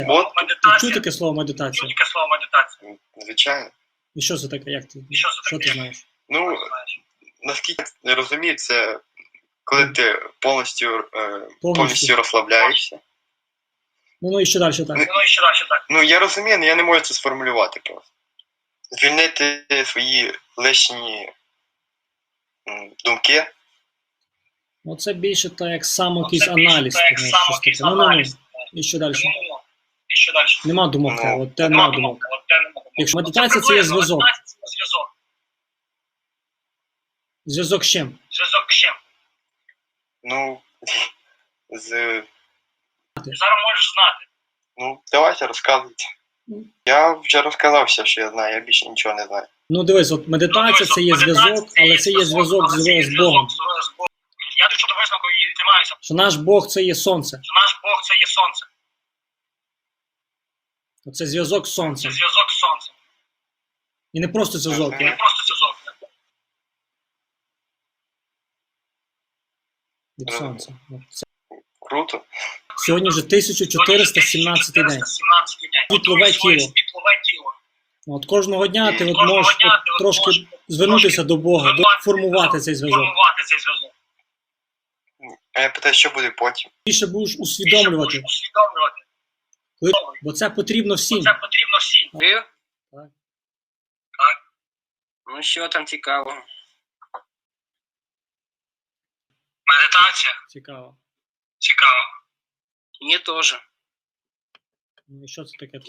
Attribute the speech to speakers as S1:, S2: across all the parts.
S1: Бот?
S2: Чув таке слово медитація?
S1: Звичайно.
S2: І що це таке? Як ти? Що ти знаєш?
S1: Ну, наскільки я розумію, це коли ти повністю розслабляєшся.
S2: Ну і що далі так?
S1: Ну, я розумію, але я не можу це сформулювати просто. Звільнити свої лишні думки.
S2: Ну це більше так, як якийсь аналіз. Ну, і що далі? Нема думок. От те нема думок. Якщо медитація це є зв'язок. Зв'язок з чим?
S1: Ну,
S3: Зараз можеш знати.
S1: Ну, давайте розказуйте. Я вже розказав все, що я знаю, я більше нічого не знаю.
S2: Ну дивись, от медитація це є зв'язок, але це є зв'язок з Богом.
S3: Я до чого висновку і тримаюся.
S2: Що наш Бог це є сонце. Оце зв'язок з сонцем. І не просто зв'язок. Від сонця.
S1: Круто.
S2: Сьогодні вже 1417 день. Світлове тіло. От кожного дня ти можеш трошки звернутися до Бога, формувати цей зв'язок.
S1: А я питаю, що буде потім?
S2: Більше будеш усвідомлювати. Бо це потрібно всім.
S3: Так.
S4: Ну що там цікаво?
S3: Медитація.
S2: Цікаво.
S4: Мне тоже.
S2: Ну і що це таке?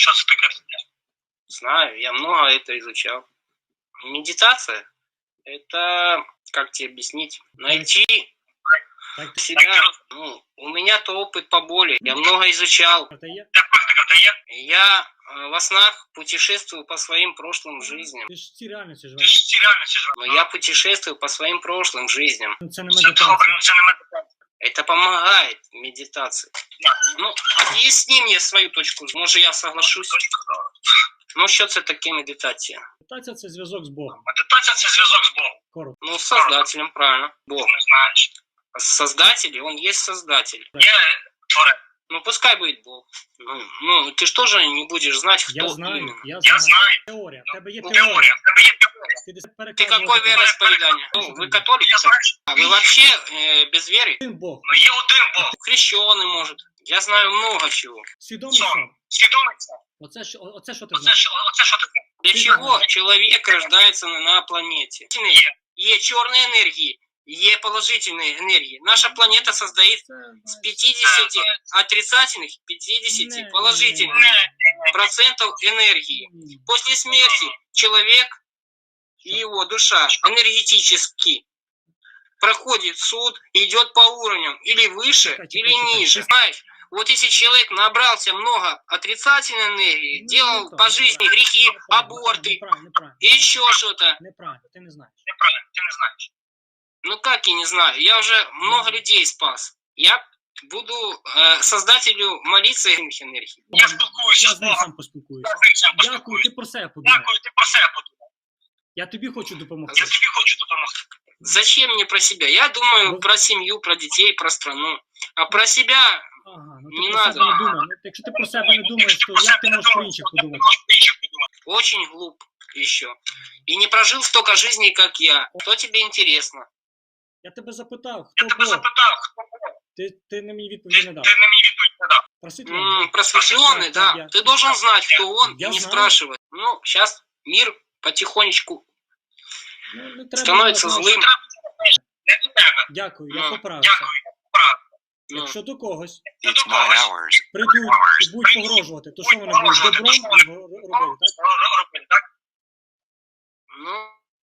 S4: Знаю, я много это изучал. Медитация – это, как тебе объяснить, найти себя. Ну, у меня-то опыт поболее, я много изучал. Я во снах путешествую по своим прошлым жизням.
S2: Ти ж ці реальності живеш.
S4: Но я путешествую по своим прошлым жизням.
S2: Це не медитація.
S4: Это помогает медитации. Ну, объясни мне свою точку. Может, я соглашусь. Ну, що це таке медитація?
S2: Медитація це зв'язок з Богом. Коротко.
S4: Ну, с Создателем, правильно. Бог. Создатель, он есть Создатель. Ну, пускай будет Бог. Ну, ты же тоже не будешь знать, кто именно.
S2: Я знаю. Теорія. В тебе є теорія.
S4: Ты какой вероисповедание? Ну, вы католик? А вы вообще без веры?
S2: Один Бог.
S4: Хрещеный, может. Я знаю много чего.
S2: Свідомий сам. Оце що ти знаєш?
S4: Для чего человек рождается на планете? Есть черные энергии, есть положительные энергии. Наша планета состоит с 50 отрицательных, 50 положительных процентов энергии. После смерти человек и его душа энергетически проходит суд и идет по уровням, или выше, или ниже. Понимаешь? Вот если человек набрался много отрицательной энергии, делал по жизни грехи, аборты, еще что-то.
S2: Неправильно, ти не знаєш.
S4: Ну как я не знаю, я уже много людей спас. Я буду создателю молиться этих энергий.
S2: Я з ним сам поспілкуюся. Дякую, ти про себе подумай. Я тобі хочу допомогти.
S4: Зачем мне про себя? Я думаю про семью, про детей, про страну. А про себя
S2: Ага, ну
S4: не
S2: ти про
S4: надо.
S2: себе не думай. Ну, якщо ти про себе не думаєш, то як ти можеш про інших подумати?
S4: Очень глуп еще. И не прожил столько жизней, как я. Что тебе интересно?
S2: Я тебе запитав, хто Бог? Ти на мені відповіді не дав. Просвітлений.
S4: Просветленный, да.
S2: я-
S4: Ты должен знать, кто он,
S2: Я
S4: и не
S2: знаю.
S4: спрашивать. Ну, сейчас мир потихонечку
S2: Ну, не треба
S4: становится
S2: було-
S4: злым.
S2: Дякую, я
S4: Ну,
S2: поправився.
S4: Ну,
S2: Якщо до когось
S5: It's 9 hours.
S2: прийдуть і будуть погрожувати, то що вони будуть добром робити, так?
S4: ну,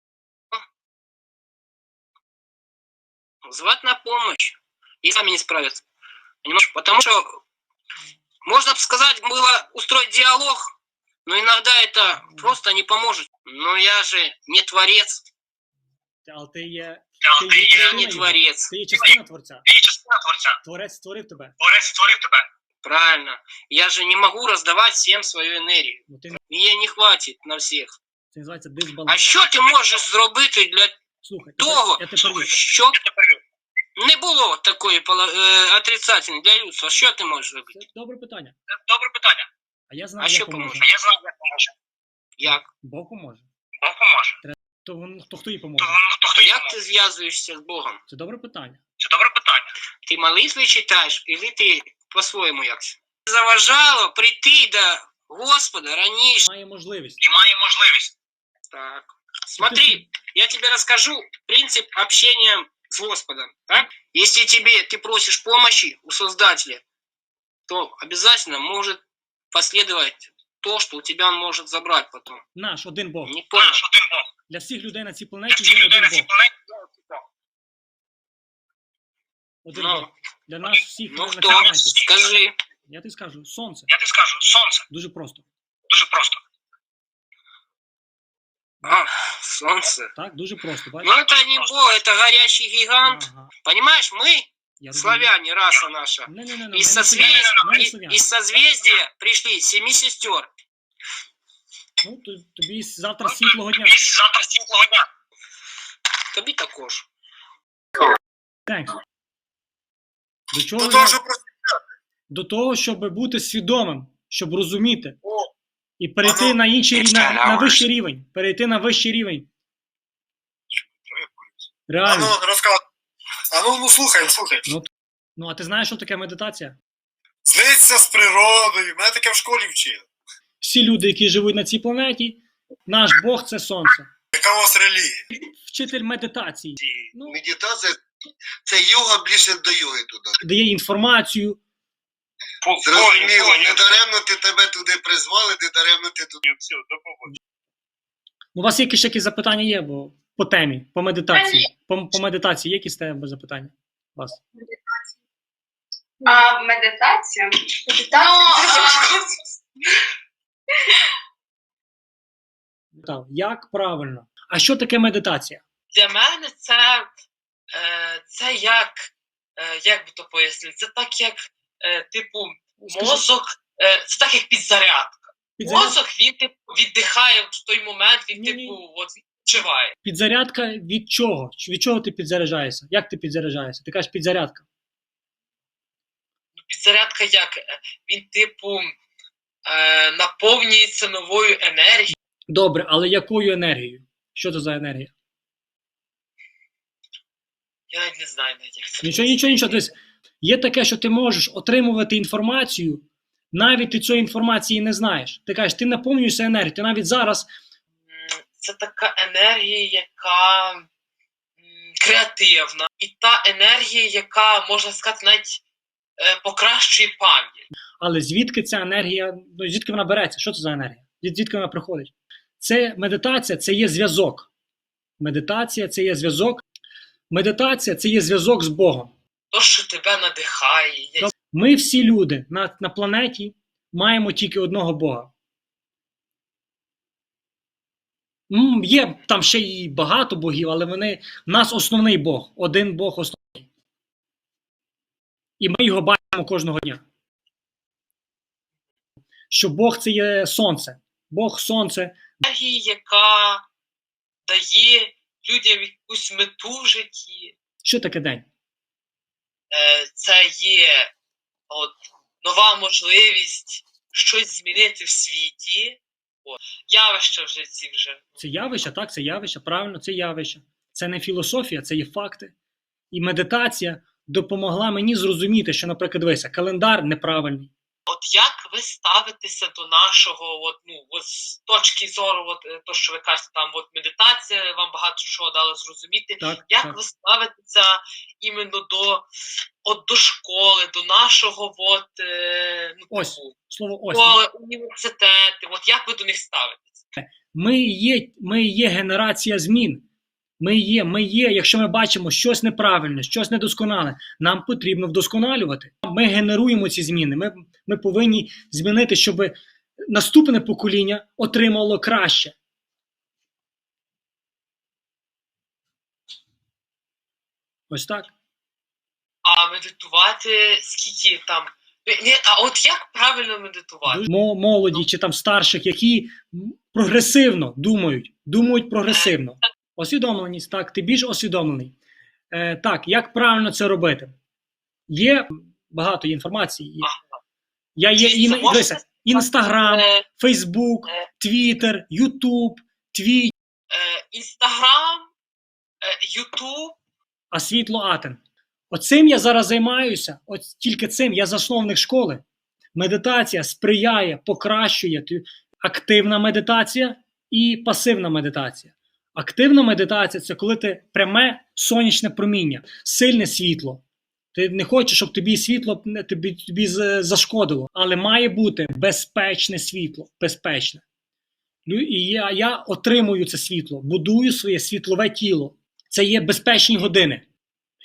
S4: звать на помощь. И сами не справятся. Понимаешь? Потому что, можно бы сказать, было устроить диалог, но иногда это просто не поможет. Но я же не творец.
S2: Але ти є
S4: Я не творец.
S2: Ти є частина Творця. Творець створив тебе.
S4: Правильно. Я же не могу раздавать всем свою энергию.
S2: Ну, ти,
S4: Мне не хватит на всех.
S2: це називається дисбаланс.
S4: А що ти можеш зробити для
S2: Слухай,
S4: того,
S2: я тебе перебив.
S4: щоб Не було такої отрицательної для людства. Що ти можеш робити?
S2: Це добре питання.
S3: Добре питання.
S2: А я знаю,
S4: А
S2: як
S4: що
S2: поможе.
S4: поможе?
S3: Я знаю, як поможе.
S4: Як?
S2: Бог поможе.
S3: Бог поможе.
S2: То хто їй поможе?
S3: Хто
S4: Як ти зв'язуєшся з Богом?
S2: Це добре питання.
S3: Це добре питання.
S4: Ти молитви читаєш, или ти по-своєму якось? Заважало прийти до Господа раніше.
S2: Має можливість.
S3: І має можливість.
S4: Так. Смотри, я тебе расскажу принцип общения с Господом. Так? Если ты просишь помощи у Создателя, то обязательно может последовать то, что у тебя он может забрать потом.
S2: Наш один Бог.
S4: Не понял?
S3: Наш один Бог.
S2: Для всіх людей на цій
S3: Для
S2: планеті
S3: всіх
S2: є
S3: людей
S2: один
S3: на цій
S2: Бог.
S3: планеті є один Бог.
S2: Один
S4: Ну,
S2: Бог. Для нас всіх
S4: Ну
S2: на цій
S4: кто?
S2: планеті.
S4: Скажи.
S2: Я тобі скажу, сонце.
S3: Я тобі скажу, сонце.
S2: Дуже просто.
S3: Дуже просто.
S4: Солнце.
S2: Так, дуже просто.
S4: Ну
S2: Бачиш?
S4: это не Бог, это горящий гигант.
S2: Ага.
S4: Понимаешь, мы,
S2: Я розумію.
S4: славяне, раса наша,
S2: Не-не-не, ми
S4: из
S2: не слов'яни, ми не
S4: созвездия,
S2: слов'яни.
S4: из созвездия пришли 7 сестер.
S2: Ну, тобі завтра світлого дня.
S3: Тобі завтра світлого дня.
S4: Тобі також.
S2: Thanks. До чого?
S1: Ну,
S2: я-
S1: дуже просто.
S2: До того, щоб бути свідомим, щоб розуміти.
S1: О.
S2: І перейти
S1: Ану,
S2: на інший
S1: it's
S2: на
S1: 10 hours.
S2: вищий рівень. Перейти на вищий рівень. Реально.
S1: Ану, розказуй. Ну, слухай.
S2: Ну, а ти знаєш, що таке медитація?
S1: Злиться з природою. Мене таке в школі вчили.
S2: Всі люди, які живуть на цій планеті, наш Бог це сонце.
S1: Яка у вас релігія?
S2: Вчитель медитації. Ну,
S5: Медитація це йога ближче до йоги туди.
S2: дає інформацію.
S5: Зрозуміло, не даремно ти тебе туди призвали, не даремно ти туди.
S2: У вас ще якісь запитання є бо по темі, по медитації? По медитації є якісь тебе запитання? У вас?
S6: А медитація?
S2: Так, як правильно? А що таке медитація?
S7: Для мене це як би то пояснити, це так як, типу,
S2: Скажи.
S7: мозок, це так як підзарядка. Мозок, він типу віддихає в той момент, він
S2: Ні-ні.
S7: типу от відчуває.
S2: Підзарядка від чого? Від чого ти підзаряджаєшся? Як ти підзаряджаєшся? Ти кажеш підзарядка.
S7: Ну, підзарядка як? Він типу наповнюється новою енергією.
S2: Добре, але якою енергією? Що це за енергія?
S7: Я навіть не знаю навіть, як це.
S2: Нічого. Тобто, є таке, що ти можеш отримувати інформацію, навіть ти цієї інформації не знаєш. Ти кажеш, ти наповнюєшся енергією. Ти навіть зараз
S7: Це така енергія, яка креативна. І та енергія, яка, можна сказати, навіть покращує пам'ять.
S2: Але звідки ця енергія, ну звідки вона береться? Що це за енергія? Звідки вона приходить? Це медитація, це є зв'язок. Медитація це є зв'язок. Медитація це є зв'язок з Богом.
S7: То, що тебе надихає.
S2: Ми всі люди на планеті маємо тільки одного Бога. Є там ще й багато богів, але в нас основний Бог. Один Бог основний. І ми його бачимо кожного дня. Що Бог це є сонце. Бог сонце.
S7: Енергія, яка дає людям якусь мету в житті.
S2: Що таке день?
S7: Це є нова можливість щось змінити в світі. Явища в житті вже.
S2: Це явище, так, це явище, правильно, це явище. Це не філософія, це є факти. І медитація допомогла мені зрозуміти, що, наприклад, дивися, календар неправильний.
S7: От як ви ставитеся до нашого, з точки зору, то, що ви кажете, там медитація, вам багато чого дало зрозуміти.
S2: Так,
S7: Як
S2: так.
S7: ви ставитеся іменно до школи, до нашого
S2: Ось, слово ось.
S7: школи, університети? От як ви до них ставитеся?
S2: Ми є генерація змін. Ми є, якщо ми бачимо щось неправильне, щось недосконале, нам потрібно вдосконалювати. Ми генеруємо ці зміни. Ми повинні змінити, щоб наступне покоління отримало краще. Ось так.
S7: А медитувати скільки там? А от як правильно медитувати?
S2: Молоді чи там старших, які прогресивно думають прогресивно. Освідомленість, так, ти більш освідомлений. Так, як правильно це робити? Є багато інформації. Я є
S7: Можете
S2: Інстаграм,
S7: Е,
S2: Фейсбук, Твіттер, Ютуб, Твіч,
S7: Інстаграм, Ютуб.
S2: а світло Атен. Оцим я зараз займаюся, от тільки цим я засновник школи. Медитація сприяє, покращує активна медитація і пасивна медитація. Активна медитація – це коли ти пряме сонячне проміння, сильне світло. Ти не хочеш, щоб тобі світло тобі зашкодило, але має бути безпечне світло, безпечне. І я отримую це світло, будую своє світлове тіло. Це є безпечні години.